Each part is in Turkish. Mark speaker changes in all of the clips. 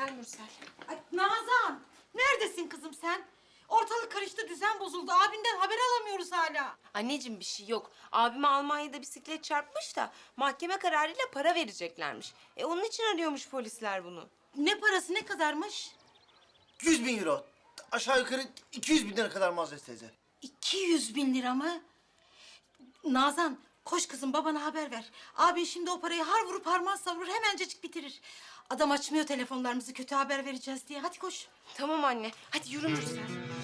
Speaker 1: Gel Mürsel.
Speaker 2: Ay Nazan! Neredesin kızım sen? Ortalık karıştı, düzen bozuldu. Abinden haber alamıyoruz hala.
Speaker 1: Anneciğim bir şey yok. Abime Almanya'da bisiklet çarpmış da mahkeme kararıyla para vereceklermiş. Onun için arıyormuş polisler bunu.
Speaker 2: Ne parası, ne kadarmış?
Speaker 3: 100 bin euro. Aşağı yukarı 200 bin lira kadar Muazzez teyze.
Speaker 2: 200 bin lira mı? Nazan, koş kızım babana haber ver. Abin şimdi o parayı har vurup harman savurur, hemencecik bitirir. Adam açmıyor telefonlarımızı, kötü haber vereceğiz diye. Hadi koş.
Speaker 1: Tamam anne. Hadi yürü Mürsel.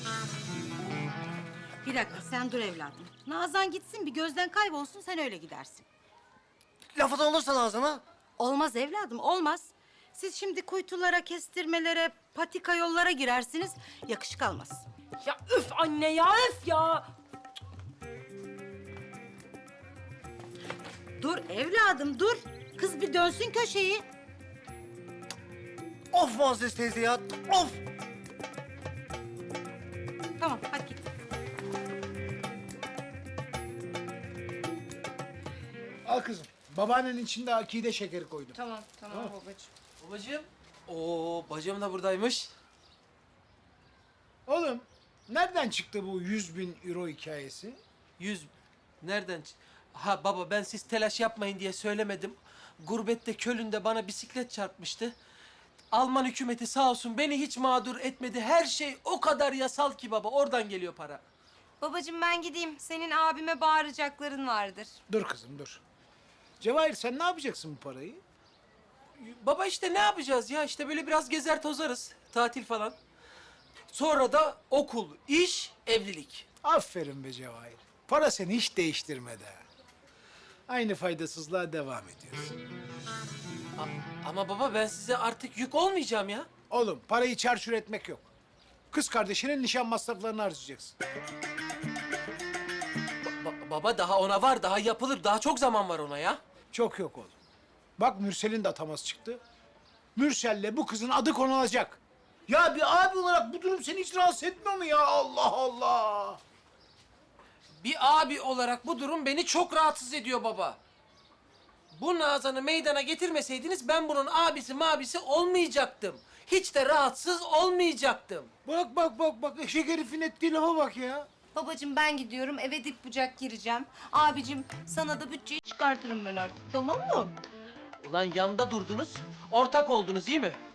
Speaker 2: Bir dakika, sen dur evladım. Nazan gitsin, bir gözden kaybolsun, sen öyle gidersin.
Speaker 3: Laf atan olursa Nazan'a.
Speaker 2: Olmaz evladım, olmaz. Siz şimdi kuytulara, kestirmelere, patika yollara girersiniz. Yakışık almaz.
Speaker 1: Ya üf anne ya üf ya.
Speaker 2: Dur evladım, dur. Kız bir dönsün köşeyi.
Speaker 3: Of Muazzez teyze ya. Of.
Speaker 2: Tamam, hadi git.
Speaker 4: Al kızım. Babaannenin içinde akide şekeri koydum.
Speaker 1: Tamam babacığım.
Speaker 5: Babacığım. Oo, bacım da buradaymış.
Speaker 4: Oğlum, nereden çıktı bu 100 bin euro hikayesi?
Speaker 5: 100. Nereden? Ha baba, ben siz telaş yapmayın diye söylemedim. Gurbette Köln'de bana bisiklet çarpmıştı. Alman hükümeti sağ olsun beni hiç mağdur etmedi. Her şey o kadar yasal ki baba. Oradan geliyor para.
Speaker 1: Babacığım ben gideyim. Senin abime bağıracakların vardır.
Speaker 4: Dur kızım, dur. Cevahir, sen ne yapacaksın bu parayı?
Speaker 5: Baba işte ne yapacağız ya? İşte böyle biraz gezer tozarız. Tatil falan. Sonra da okul, iş, evlilik.
Speaker 4: Aferin be Cevahir. Para seni hiç değiştirmedi ha. Aynı faydasızlığa devam ediyorsun.
Speaker 5: Ama baba ben size artık yük olmayacağım ya.
Speaker 4: Oğlum, parayı çarçur etmek yok. Kız kardeşinin nişan masraflarını harcayacaksın.
Speaker 5: Baba daha ona var, daha yapılır. Daha çok zaman var ona ya.
Speaker 4: Çok yok oğlum. Bak Mürsel'in de ataması çıktı. Mürsel'le bu kızın adı konulacak. Ya bir abi olarak bu durum seni hiç rahatsız etmiyor mu ya? Allah Allah!
Speaker 5: Bir abi olarak bu durum beni çok rahatsız ediyor baba. Bu Nazan'ı meydana getirmeseydiniz ben bunun abisi mabisi olmayacaktım. Hiç de rahatsız olmayacaktım.
Speaker 4: Bak, eşek herifin ettiği lafa bak ya.
Speaker 1: Babacığım ben gidiyorum. Eve dip bucak gireceğim. Abicim sana da bütçeyi çıkartırım ben artık. Tamam mı?
Speaker 5: Ulan yanda durdunuz, ortak oldunuz değil mi?